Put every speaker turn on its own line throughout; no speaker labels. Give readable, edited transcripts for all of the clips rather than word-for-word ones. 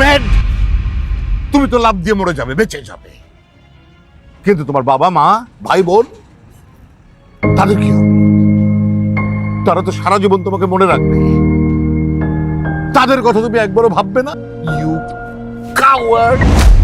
Mad? তুমি তো লাভ দিয়ে মরে যাবে, বেঁচে যাবে, কিন্তু তোমার বাবা মা ভাই বোন তাদের কি হবে? তারা তো সারা জীবন তোমাকে মনে রাখবে। তাদের কথা তুমি একবারও ভাববে না? You coward.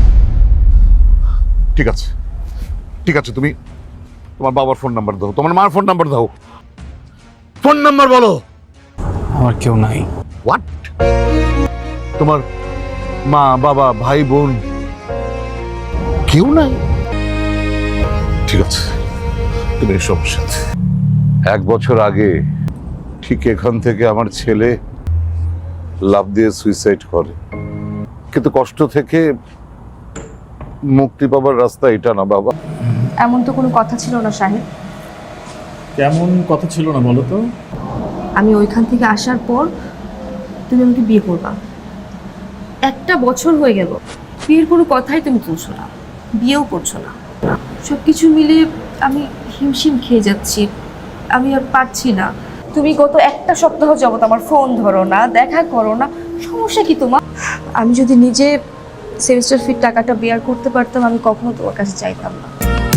ঠিক আছে, ঠিক আছে, তুমি তোমার বাবার ফোন নাম্বার দাও, তোমার মার ফোন নাম্বার দাও। ফোন নাম্বার বলো।
আমার কেউ নাই।
হোয়াট? তোমার মা বাবা ভাই বোন কেউ নাই? ঠিক আছে, তুমি এসব সাথে। 1 বছর আগে ঠিক এখান থেকে আমার ছেলে লাফ দিয়ে সুইসাইড করে, কিন্তু কষ্ট থেকে মুক্তি পাবার রাস্তা এটা না বাবা।
এমন তো কোনো কথা ছিল না সাহেব।
কেমন কথা ছিল না বলো তো?
আমি ওইখান থেকে আসার পর তুমি আমাকে বিয়ে করবা। 1 বছর হয়ে গেল, বিয়ের কোনো কথাই তুমি তুলছো না, বিয়েও করছো না। সব কিছু মিলিয়ে আমি হিমশিম খেয়ে যাচ্ছি, আমি আর পারছি না। তুমি গত 1 সপ্তাহ যাবত আমার ফোন ধরো না, দেখা করো না, সমস্যা কি তোমার? আমি যদি নিজে সেমিস্টার ফির টাকাটা বেয়ার করতে পারতাম, আমি কখনো তোমার কাছে চাইতাম না।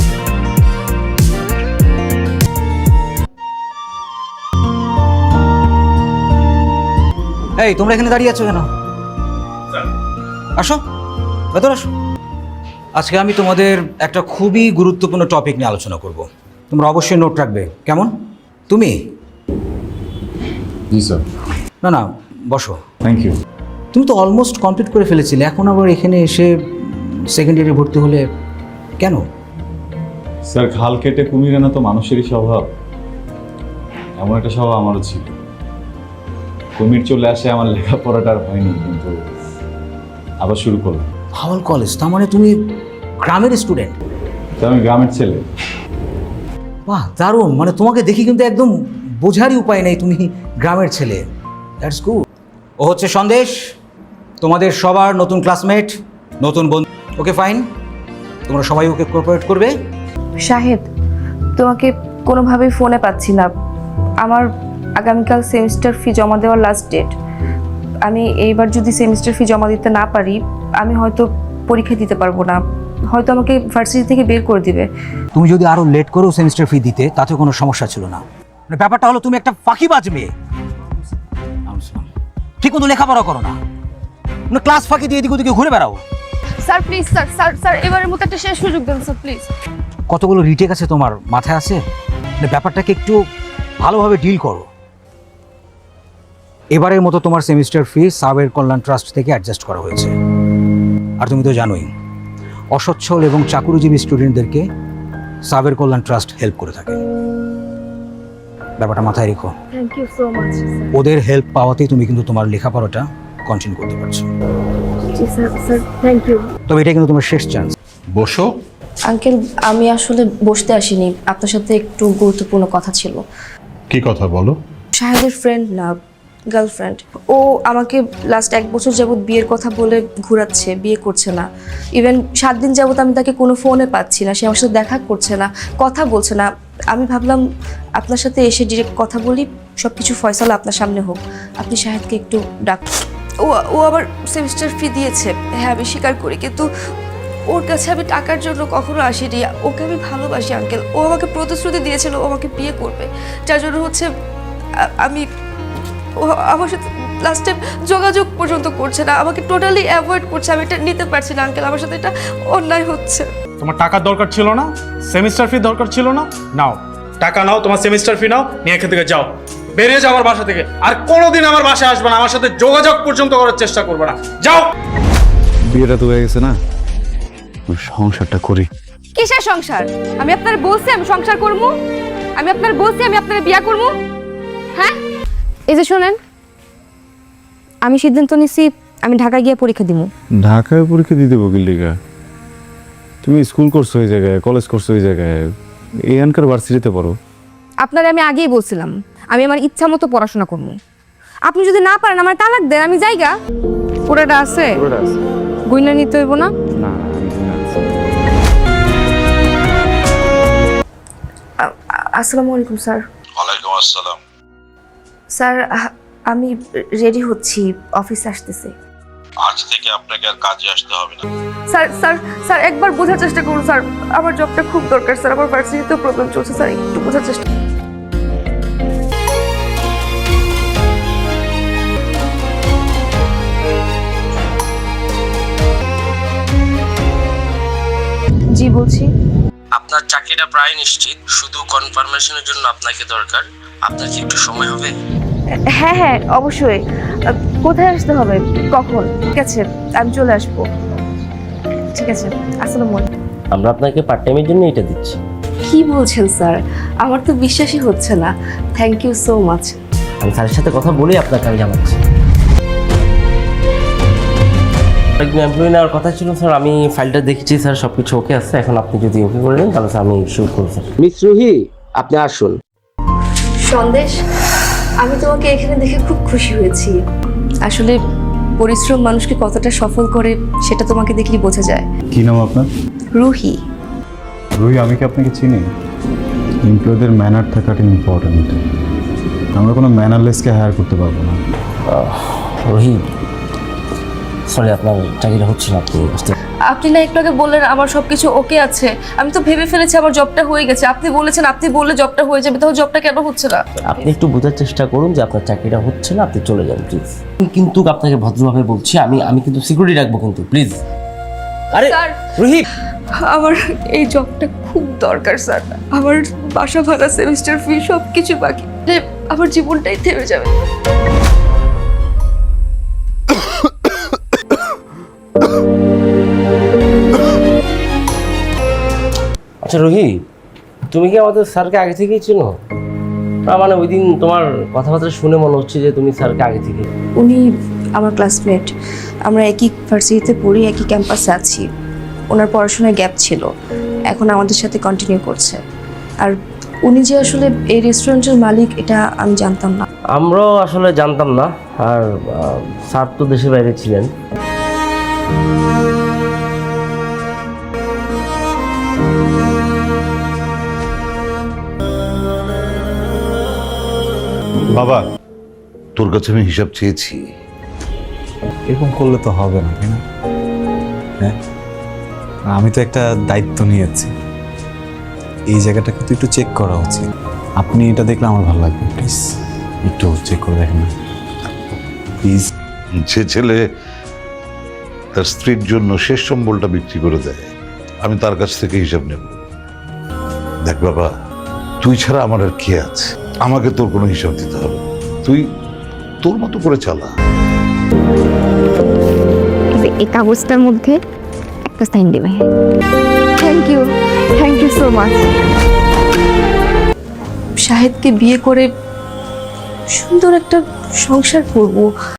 এই তোমরা এখানে দাঁড়িয়ে আছো কেন? আসো, ভেতর আসো। আজকে আমি তোমাদের একটা খুবই গুরুত্বপূর্ণ টপিক নিয়ে আলোচনা করব। তোমরা অবশ্যই নোট রাখবে, কেমন? তুমি?
জি স্যার।
না না, বসো।
Thank you.
তুমি তো অলমোস্ট কমপ্লিট করে ফেলেছিলে, এখন আবার এখানে এসে সেকেন্ড ইয়ারে ভর্তি হলে কেন?
স্যার, খাল কেটে কুমির আনা তো মানুষেরই স্বভাব। এমন একটা স্বভাব আমারও ছিল। কুমির চলে আসে, আমার লেখাপড়াটা আর হয়নি, কিন্তু আবার শুরু করলাম।
হাওয়াল কলেজ, তার মানে তুমি গ্রামের স্টুডেন্ট?
তো আমি গ্রামের ছেলে।
বাহ, দারুণ। মানে তোমাকে দেখি কিন্তু একদম বোঝারই উপায় নেই তুমি গ্রামের ছেলে। That's good. ও হচ্ছে সন্দেশ, তোমাদের সবার নতুন ক্লাসমেট, নতুন বন্ধু। ওকে ফাইন, তোমরা সবাই ওকে কোঅপারেট করবে।
শাহেদ, তোমাকে কোনোভাবেই ফোনে পাচ্ছি না। আমার আগামীকাল সেমিস্টার ফি জমা দেওয়ার লাস্ট ডেট। আমি এইবার যদি সেমিস্টার ফি জমা দিতে না পারি, আমি হয়তো পরীক্ষা দিতে পারবো না, হয়তো আমাকে ভার্সিটি থেকে বের করে দিবে।
তুমি যদি আরো লেট করো সেমিস্টার ফি দিতে, তাতে কোনো সমস্যা ছিল না। মানে ব্যাপারটা হলো তুমি একটা ফাঁকিবাজ মেয়ে, ঠিক মতো লেখাপড়া করো না, মানে ক্লাস ফাঁকি দিয়ে এদিক ওদিকে ঘুরে বেড়াও।
Sir please, sir sir sir এবারের মতো একটা শেষ সুযোগ দেন স্যার প্লিজ।
কতগুলো রিটেক আছে তোমার মাথায় আছে? মানে ব্যাপারটাকে একটু ভালোভাবে ডিল করো। এবারের মতো তোমার semester fee Saber Kalyan trust থেকে অ্যাডজাস্ট করা হয়েছে। আর তুমি তো জানোই অসচ্ছল এবং চাকুরিজীবী স্টুডেন্টদেরকে সাবের কল্যাণ ট্রাস্ট হেল্প করে থাকে। ব্যাপারটা মাথায় রেখো।
Thank you so much sir.
ওদের হেল্প পাওয়াতেই তুমি কিন্তু তোমার লেখাপড়াটা কন্টিনিউ করতে পারছো।
জি স্যার, স্যার থ্যাংক ইউ।
তবে এটা কিন্তু তোমার শেষ চান্স।
বসো।
আঙ্কেল, আমি আসলে বসতে আসিনি, আপনার সাথে একটু গুরুত্বপূর্ণ কথা ছিল।
কি কথা বলো?
শাহেদের ফ্রেন্ড না, গার্লফ্রেন্ড। ও আমাকে লাস্ট 1 বছর যাবত বিয়ের কথা বলে ঘোরাচ্ছে, বিয়ে করছে না। ইভেন 7 দিন যাবত আমি তাকে কোনো ফোনে পাচ্ছি না, সে আমার সাথে দেখা করছে না, কথা বলছে না। আমি ভাবলাম আপনার সাথে এসে ডিরেক্ট কথা বলি, সব কিছু ফয়সালা আপনার সামনে হোক। আপনি শাহেদকে একটু ডাক। ও আবার সেমিস্টার ফি দিয়েছে, হ্যাঁ আমি স্বীকার করি, কিন্তু ওর কাছে আমি টাকার জন্য কখনো আসিনি। ওকে আমি ভালোবাসি আঙ্কেল। ও আমাকে প্রতিশ্রুতি দিয়েছিল ও আমাকে বিয়ে করবে, যার জন্য হচ্ছে আমি, ও আমার সাথে লাস্ট টাইম যোগাযোগ পর্যন্ত করছে না, আমাকে টোটালি অ্যাভয়েড করছে। আমি এটা নিতে পারছি না আঙ্কেল, আমার সাথে এটা অন্যায় হচ্ছে।
তোমার টাকার দরকার ছিল না, সেমিস্টার ফি দরকার ছিল না, নাও টাকা নাও, তোমার সেমিস্টার ফি নাও, নিয়ে এখান থেকে যাও, বেরিয়ে যাও আমার বাসা থেকে। আর কোনোদিন আমার বাসায় আসবে না, আমার সাথে যোগাযোগ পর্যন্ত করার চেষ্টা করবে না, যাও।
বিয়েটা তো হয়ে গেছে না, সংসারটা করি।
কিসের সংসার? আমি আপনার বলছি আমি সংসার করবো, আমি আপনার বলছি আমি আপনার বিয়া করবো। হ্যাঁ, এই যে শোনেন, আমি সিদ্ধান্ত নিছি আমি ঢাকায় গিয়ে পরীক্ষা দিব।
ঢাকায় পরীক্ষা দিতে বকিলিকা? তুমি স্কুল করছো ওই জায়গায়, কলেজ করছো ওই জায়গায়, এখানকার ভার্সিটিতে পড়ো।
আপনারে আমি আগেই বলছিলাম আমি আমার ইচ্ছা মতো পড়াশোনা করবো। আপনি যদি না পারেন আমার তালাক দেন, আমি যাইগা। পুরোটা আছে, গুইনা নিতে হইব না।
আসসালামু আলাইকুম স্যার।
ওয়ালাইকুম আসসালাম।
স্যার আমি রেডি হচ্ছি, অফিসে আসতেছি।
আজ থেকে আপনাকে আর কাজে আসতে হবে না।
স্যার স্যার স্যার একবার বোঝার চেষ্টা করুন স্যার, আমার জবটা খুব দরকার স্যার, আমার ভার্সিটিতেও প্রবলেম চলছে স্যার, একটু বোঝার চেষ্টা। জি বলছি।
আপনার চাকরিটা প্রায় নিশ্চিত, শুধু কনফার্মেশনের জন্য আপনাকে দরকার। আপনার কি একটু সময় হবে?
হ্যাঁ হ্যাঁ অবশ্যই। কোথায় আসতে হবে, কখন? ঠিক আছে আমি চলে আসবো। ঠিক আছে, আসসালামু আলাইকুম।
আমরা আপনাকে পার্ট টাইমের জন্য এটা দিচ্ছি।
কি বলছেন স্যার, আমার তো বিশ্বাসই হচ্ছে না। Thank you so much.
আমি স্যারের সাথে কথা বলেই আপনাকে আমি জানাচ্ছি। একজন এমপ্লয়ি নেওয়ার কথা ছিল স্যার, আমি ফাইলটা দেখেছি স্যার, সব কিছু ওকে আছে। এখন আপনি যদি ওকে করে দেন তাহলে স্যার আমি শুরু করব স্যার। মিস রুহি, আপনি আসুন।
সন্দেশ, আমি তোমাকে এখানে দেখে খুব খুশি হয়েছি। আসলে পরিশ্রম মানুষকে কতটা সফল করে সেটা তোমাকে দেখলেই বোঝা যায়।
কি নাম আপনার?
রুহি।
রুহি, আমি কি আপনাকে চিনি? এমপ্লয়ীদের ম্যানার থাকাটা ইম্পর্টেন্ট। আমরা কোনো ম্যানারলেসকে হায়ার করতে পারবো না।
রুহি, সরি আপনার চাকরিটা হচ্ছে না, আপনি আসতে।
আপনি না একটু আগে বললেন আমার সবকিছু ওকে আছে, আমি তো ভেবে ফেলেছি আমার জবটা হয়ে গেছে। আপনি বলেছেন আপনি বললে জবটা হয়ে যাবে, তাহলে জবটা কেন হচ্ছে না?
আপনি একটু বোঝার চেষ্টা করুন যে আপনার চাকরিটা হচ্ছে না, আপনি চলে যান প্লিজ। কিন্তু আপনাকে ভদ্রভাবে বলছি, আমি কিন্তু সিকিউরিটি রাখবো কিন্তু প্লিজ। আরে
স্যার,
রুহি,
আমার এই জবটা খুব দরকার স্যার। আমার বাসা ভাড়া, সেমিস্টার ফি সব কিছু বাকি, আমার জীবনটাই থেমে যাবে।
আচ্ছা রুহি, তুমি কি আমাদের স্যারকে আগে থেকেই চিনো? না মানে ওই দিন তোমার কথাবার্তা শুনে মনে হচ্ছে যে তুমি স্যারকে আগে থেকে।
উনি আমার ক্লাসমেট, আমরা একই ভার্সিটিতে পড়ি, একই ক্যাম্পাসে আছি। ওনার পড়াশোনায় গ্যাপ ছিল, এখন আমাদের সাথে কন্টিনিউ করছে। আর উনি যে আসলে এই রেস্টুরেন্টের মালিক এটা আমি জানতাম না।
আমরাও আসলে জানতাম না। আর স্যার তো দেশের বাইরে ছিলেন।
বাবা,
তোর কাছে আমি হিসাব চেয়েছি।
এরকম করলে তো হবে না, তাই না? হ্যাঁ, আমি তো একটা দায়িত্ব নিয়েছি। এই জায়গাটা কিন্তু একটু চেক করা উচিত। আপনি এটা দেখলে আমার ভালো লাগবে। প্লিজ একটু চেক করে দেখেন না প্লিজ।
যে ছেলে তার স্ত্রীর জন্য শেষ সম্বলটা বিক্রি করে দেয়, আমি তার কাছ থেকে হিসাব নেব। দেখ বাবা, তুই ছাড়া আমার আর কে আছে? আমাকে তোর কোনো হিসাব দিতে হবে না। তুই তোর মতো করে চালা।
এই কাগজটার মধ্যে একটা সাইন দেবে।
Thank you so much. শাহেদকে বিয়ে করে সুন্দর একটা সংসার করব।